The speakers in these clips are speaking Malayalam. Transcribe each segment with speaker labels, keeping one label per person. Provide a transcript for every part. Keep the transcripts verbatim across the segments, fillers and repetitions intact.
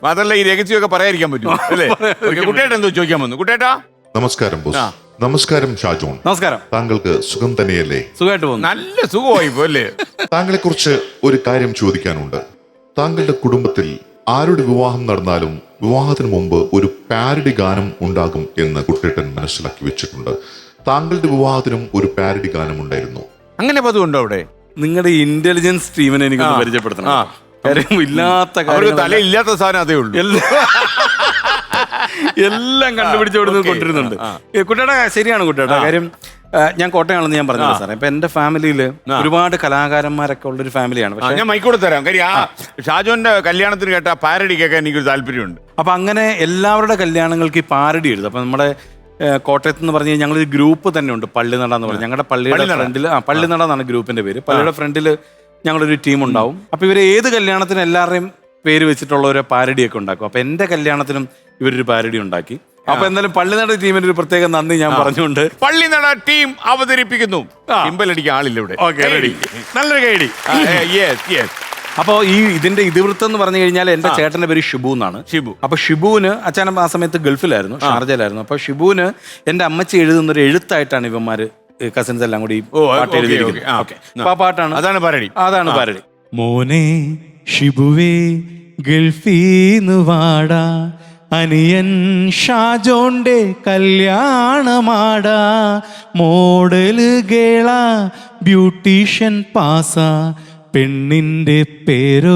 Speaker 1: മാത്രല്ല ഈ രഹസ്യമൊക്കെ പറയാതിരിക്കാൻ പറ്റും അല്ലേ? കുട്ടേട്ട എന്തോ ചോദിക്കാൻ വന്നു. കുട്ടേട്ടാ
Speaker 2: നമസ്കാരം ബോസ്. നമസ്കാരം ഷാജോൺ.
Speaker 3: നമസ്കാരം.
Speaker 2: താങ്കൾക്ക് സുഖം തന്നെയല്ലേ?
Speaker 3: സുഖമായിട്ട് പോകുന്നു.
Speaker 1: നല്ല സുഖമായി പോലെ.
Speaker 2: താങ്കളെ കുറിച്ച് ഒരു കാര്യം ചോദിക്കാനുണ്ട്. താങ്കളുടെ കുടുംബത്തിൽ ആരുടെ വിവാഹം നടന്നാലും വിവാഹത്തിന് മുമ്പ് ഒരു പാരഡി ഗാനം ഉണ്ടാകും എന്ന് കുട്ടേട്ടൻ മനസ്സിലാക്കി വെച്ചിട്ടുണ്ട്. താങ്കളുടെ വിവാഹത്തിനും ഒരു പാരഡി ഗാനം ഉണ്ടായിരുന്നു.
Speaker 1: അങ്ങനെ പതിവുണ്ടോ അവിടെ?
Speaker 3: നിങ്ങളുടെ ഇന്റലിജൻസ് ടീമിനെ എനിക്ക് പരിചയപ്പെടുത്തണം. കാര്യം ഇല്ലാത്ത
Speaker 1: കാര്യം തല ഇല്ലാത്ത സാധനം അതേ ഉള്ളൂ.
Speaker 3: എല്ലാം കണ്ടുപിടിച്ച് അവിടെ നിന്ന് കൊണ്ടിരുന്നുണ്ട്. കുട്ടേട്ടാ ശരിയാണ് കുട്ടേട്ടാ. കാര്യം ഞാൻ കോട്ടയാണെന്ന് ഞാൻ പറഞ്ഞത് സാറേ. ഇപ്പൊ എന്റെ ഫാമിലിയിൽ ഒരുപാട് കലാകാരന്മാരൊക്കെ ഉള്ളൊരു ഫാമിലിയാണ്. പക്ഷെ
Speaker 1: ഞാൻ മൈക്കോട് തരാം. കാര്യം ആ ഷാജോന്റെ കല്യാണത്തിന് കേട്ട പാരഡി കേൾക്കാൻ എനിക്കൊരു താല്പര്യമുണ്ട്.
Speaker 3: അപ്പൊ അങ്ങനെ എല്ലാവരുടെ കല്യാണങ്ങൾക്ക് ഈ പാരഡി എഴുതും. അപ്പൊ നമ്മുടെ കോട്ടയത്ത് എന്ന് പറഞ്ഞാൽ ഞങ്ങളൊരു ഗ്രൂപ്പ് തന്നെ ഉണ്ട്, പള്ളിനട എന്ന് പറഞ്ഞാൽ. ഞങ്ങളുടെ പള്ളിയുടെ ഫ്രണ്ടിൽ ആ പള്ളിനട എന്നാണ് ഗ്രൂപ്പിന്റെ പേര്. പള്ളിയുടെ ഫ്രണ്ടിൽ ഞങ്ങളൊരു ടീം ഉണ്ടാവും. അപ്പൊ ഇവര് ഏത് കല്യാണത്തിനും എല്ലാവരുടെയും പേര് വെച്ചിട്ടുള്ള ഒരു പാരഡിയൊക്കെ ഉണ്ടാക്കും. അപ്പൊ എന്റെ കല്യാണത്തിനും ഇവരൊരു പാരഡി ഉണ്ടാക്കി. അപ്പൊ എന്തായാലും പള്ളിനട ടീമിന് ഒരു പ്രത്യേക നന്ദി ഞാൻ പറഞ്ഞുകൊണ്ട്
Speaker 1: പള്ളിനട ടീം അവതരിപ്പിക്കുന്നു. സിമ്പലടിക്കാൻ ആളില്ല ഇവിടെ.
Speaker 3: നല്ലൊരു കൈഡി. അപ്പൊ ഈ ഇതിന്റെ ഇതിവൃത്തം എന്ന് പറഞ്ഞു കഴിഞ്ഞാൽ എന്റെ ചേട്ടന്റെ പേര് ഷിബു എന്നാണ്.
Speaker 1: ഷിബു.
Speaker 3: അപ്പൊ ഷിബുവിന് അച്ഛനും ആ സമയത്ത് ഗൾഫിലായിരുന്നു, ഷാർജയിലായിരുന്നു. അപ്പൊ ഷിബുവിന് എന്റെ അമ്മച്ചി എഴുതുന്ന ഒരു എഴുത്തായിട്ടാണ് ഇവന്മാര് കസിൻസ് എല്ലാം കൂടി പാട്ട് എഴുതിയിരിക്കുന്നത്. ആ പാട്ടാണ്,
Speaker 1: അതാണ് പാരഡി.
Speaker 3: അതാണ് പാരഡി. മോനെ ഷിബുവേ ഗൾഫീന്ന് വാടാ, അനിയൻ ഷാജോന്റെ കല്യാണമാടാ, മോഡല് ഗേള ബ്യൂട്ടീഷ്യൻ പാസ, പെണ്ണിന്റെ പേരോ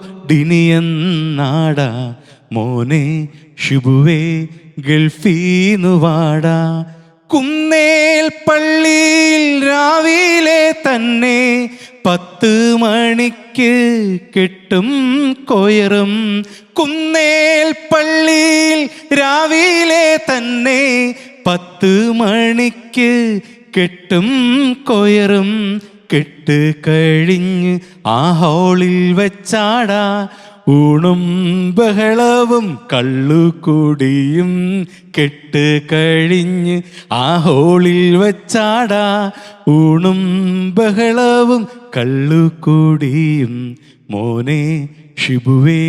Speaker 3: ഡിനിയെന്നാടാ, മോനെ ഷിബുവേ ഗൾഫീന്ന് വാടാ. കുന്നേൽ പള്ളിയിൽ രാവിലെ തന്നെ പത്ത് മണിക്ക് കെട്ടും കൊയറും. കുന്നേൽ പള്ളിയിൽ രാവിലെ തന്നെ പത്ത് മണിക്ക് കെട്ടും കൊയറും. കെട്ട് കഴിഞ്ഞ് ആ ഹോളിൽ വെച്ചാടാ, ഊണും ബഹളവും കള്ളുകൂടിയും. കെട്ട് കഴിഞ്ഞ് ആ ഹോളിൽ വെച്ചാടാ, ഊണും ബഹളവും കള്ളുകൂടിയും. മോനെ ഷിബുവേ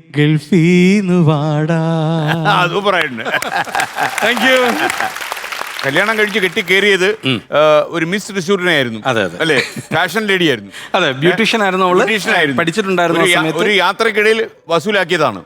Speaker 3: ഗൾഫീന്ന് വാടാ.
Speaker 1: സൂപ്പറായിട്ടുണ്ട്. Thank you. കല്യാണം കഴിച്ച് കെട്ടി കയറിയത് ഒരു മിസ് തൃശ്ശൂരിനെ ആയിരുന്നു.
Speaker 3: അതെ അതെ
Speaker 1: അല്ലേ? ഫാഷൻ ലേഡി ആയിരുന്നു.
Speaker 3: അതെ, ബ്യൂട്ടീഷ്യൻ ആയിരുന്നു അവള്. പഠിച്ചിട്ടുണ്ടായിരുന്നു.
Speaker 1: ഒരു യാത്രക്കിടയിൽ വസൂലാക്കിയതാണ്.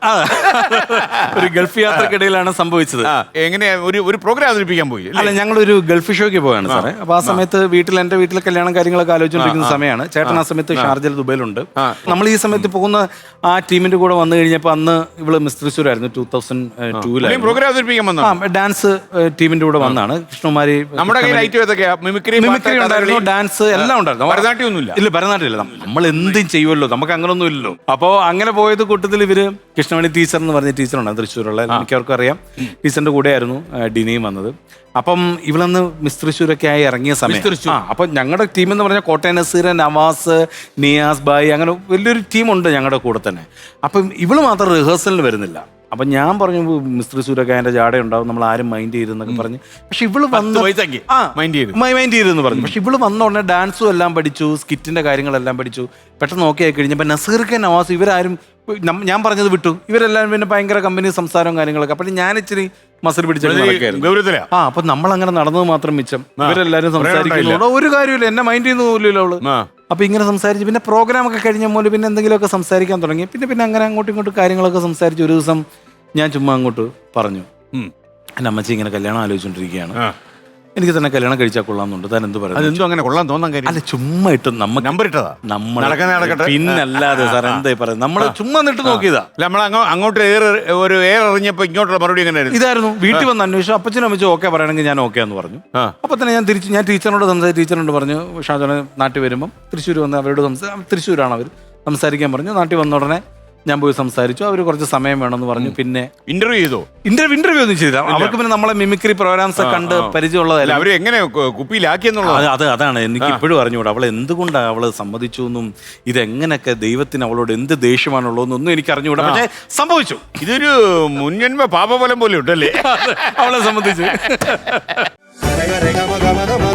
Speaker 3: ഒരു ഗൾഫ് യാത്രക്കിടയിലാണ് സംഭവിച്ചത്.
Speaker 1: എങ്ങനെയാ ഒരു ഒരു പ്രോഗ്രാം അവതരിപ്പിക്കാൻ പോയി?
Speaker 3: അല്ല, ഞങ്ങളൊരു ഗൾഫ് ഷോയ്ക്ക് പോയാണ് സാറേ. അപ്പൊ ആ സമയത്ത് വീട്ടിൽ എന്റെ വീട്ടിലെ കല്യാണം കാര്യങ്ങളൊക്കെ ആലോചിച്ചുകൊണ്ടിരിക്കുന്ന സമയമാണ്. ചേട്ടൻ ആ സമയത്ത് ഷാർജയിൽ ദുബൈയിലുണ്ട്. നമ്മൾ ഈ സമയത്ത് പോകുന്ന ആ ടീമിന്റെ കൂടെ വന്നു കഴിഞ്ഞപ്പോ അന്ന് ഇവള് മിസ് തൃശ്ശൂർ ആയിരുന്നു. ടൂ തൗസൻഡ് ടൂലായിരുന്നു
Speaker 1: പ്രോഗ്രാം അവതരിപ്പിക്കാൻ വന്ന
Speaker 3: ഡാൻസ് ടീമിന്റെ കൂടെ വന്നാണ്. കൃഷ്ണകുമാരി
Speaker 1: നമ്മുടെ മിമിക്രി
Speaker 3: ഉണ്ടായിരുന്നു, ഡാൻസ് എല്ലാം ഉണ്ടായിരുന്നു.
Speaker 1: ഭരതനാട്യം ഒന്നുമില്ല.
Speaker 3: ഇല്ല, ഭരതനാട്യം ഇല്ല. നമ്മൾ എന്തും ചെയ്യുമല്ലോ, നമുക്ക് അങ്ങനൊന്നും ഇല്ലല്ലോ. അപ്പോ അങ്ങനെ പോയത് കൂട്ടത്തിൽ ഇവര് കൃഷ്ണമണി ടീച്ചർ എന്ന് പറഞ്ഞ ടീച്ചറുണ്ടായിരുന്നു തൃശ്ശൂരുള്ള. എനിക്കവർക്കും അറിയാം. ടീച്ചറിന്റെ കൂടെയായിരുന്നു ഡിനിയും വന്നത്. അപ്പം ഇവളന്ന് മിസ് തൃശ്ശൂരൊക്കെ ആയി ഇറങ്ങിയ സമയം ആ അപ്പൊ ഞങ്ങളുടെ ടീം എന്ന് പറഞ്ഞാൽ കോട്ടയം നസീർ, നവാസ്, നിയാസ് ബായ്, അങ്ങനെ വലിയൊരു ടീമുണ്ട് ഞങ്ങളുടെ കൂടെ തന്നെ. അപ്പം ഇവള് മാത്രം റിഹേഴ്സലിന് വരുന്നില്ല. അപ്പൊ ഞാൻ പറഞ്ഞു മിസ് തൃശ്ശൂരൊക്കെ അതിന്റെ ജാട ഉണ്ടാവും, നമ്മൾ ആരും മൈൻഡ് ചെയ്തെന്നൊക്കെ പറഞ്ഞു. പക്ഷെ ഇവള് വന്ന് മൈൻഡ് ചെയ്തെന്ന് പറഞ്ഞു. പക്ഷെ ഇവള് വന്ന ഉടനെ ഡാൻസും എല്ലാം പഠിച്ചു, സ്കിറ്റിന്റെ കാര്യങ്ങളെല്ലാം പഠിച്ചു. പെട്ടെന്ന് നോക്കി ആയി കഴിഞ്ഞപ്പോൾ നസീർക്ക്, നവാസ് ഇവരാരും ഞാൻ പറഞ്ഞത് വിട്ടു. ഇവരെല്ലാം പിന്നെ ഭയങ്കര കമ്പനി സംസാരവും കാര്യങ്ങളൊക്കെ. അപ്പൊ ഞാൻ ഇച്ചിരി മസിൽ പിടിച്ചു. ആ അപ്പൊ നമ്മൾ അങ്ങനെ നടന്നത് മാത്രം മിച്ചം. ഇവരെല്ലാരും സംസാരിക്കുന്നു, ഒരു കാര്യമില്ല, എന്നെ മൈൻഡ് ചെയ്യുന്ന പോലില്ല അവള്. അപ്പൊ ഇങ്ങനെ സംസാരിച്ച് പിന്നെ പ്രോഗ്രാം ഒക്കെ കഴിഞ്ഞ പോലെ പിന്നെ എന്തെങ്കിലുമൊക്കെ സംസാരിക്കാൻ തുടങ്ങി. പിന്നെ പിന്നെ അങ്ങനെ അങ്ങോട്ടും ഇങ്ങോട്ടും കാര്യങ്ങളൊക്കെ സംസാരിച്ച് ഒരു ദിവസം ഞാൻ ചുമ്മാ അങ്ങോട്ട് പറഞ്ഞു, എൻ്റെ അമ്മച്ചി ഇങ്ങനെ കല്യാണം ആലോചിച്ചോണ്ടിരിക്കുകയാണ്, എനിക്ക് തന്നെ കല്യാണം കഴിച്ചാൽ കൊള്ളാമെന്നുണ്ട്, താൻ എന്ത് പറയുന്നത്?
Speaker 1: അതെന്തോ അങ്ങനെ കൊള്ളാൻ തോന്നാൻ കാര്യം?
Speaker 3: അല്ല, ചുമ്മാ ഇട്ട് നമ്മ
Speaker 1: നമ്പർ ഇട്ടതാ.
Speaker 3: നമ്മൾ പിന്നല്ലാതെ സാർ എന്തായി പറയുന്നത്, നമ്മള് ചുമ്മാ നിട്ട് നോക്കിയതാ.
Speaker 1: നമ്മൾ അങ്ങോട്ട് ഒരു എയർ എറിഞ്ഞപ്പോ ഇങ്ങോട്ടുള്ള മറുപടി എങ്ങനെയായിരുന്നു?
Speaker 3: ഇതായിരുന്നു. വീട്ടിൽ വന്ന് അന്വേഷിച്ചു. അപ്പച്ചനും അമ്മച്ചും ഓക്കെ പറയണമെങ്കിൽ ഞാൻ ഓക്കെ എന്ന് പറഞ്ഞു. അപ്പൊ തന്നെ ഞാൻ തിരിച്ചു ഞാൻ ടീച്ചറിനോട് സംസാരിച്ചു. ടീച്ചറിനോട് പറഞ്ഞു ഷാജോനെ നാട്ടിൽ വരുമ്പം തൃശ്ശൂർ വന്ന് അവരോട് സംസാരിച്ചു. തൃശ്ശൂരാണ് അവർ സംസാരിക്കാൻ പറഞ്ഞു. നാട്ടിൽ വന്ന ഉടനെ ഞാൻ പോയി സംസാരിച്ചു. അവർ കുറച്ച് സമയം വേണമെന്ന് പറഞ്ഞു. പിന്നെ
Speaker 1: ഇന്റർവ്യൂ ചെയ്തോ?
Speaker 3: ഇന്റർവ്യൂ ഇന്റർവ്യൂ ഒന്നും ചെയ്തില്ല. അവർക്ക് പിന്നെ നമ്മളെ മിമിക്രി പ്രോഗ്രാംസ് കണ്ട് പരിചയമുള്ളതല്ല.
Speaker 1: അവർ എങ്ങനെ കുപ്പിയിലാക്കിയെന്നുള്ളത്
Speaker 3: അത് അതാണ് എനിക്ക് ഇപ്പോഴും അറിഞ്ഞുകൂടാ. അവൾ എന്തുകൊണ്ടാണ് അവള് സമ്മതിച്ചു എന്നും ഇതെങ്ങനെയൊക്കെ ദൈവത്തിന് അവളോട് എന്ത് ദേഷ്യമാണുള്ളതെന്നൊന്നും എനിക്ക് അറിഞ്ഞുകൂടാ. പക്ഷേ സംഭവിച്ചു.
Speaker 1: ഇതൊരു മുൻജന്മ പാപഫലം പോലെ ഉണ്ടല്ലേ
Speaker 3: അവളെ സംബന്ധിച്ച്.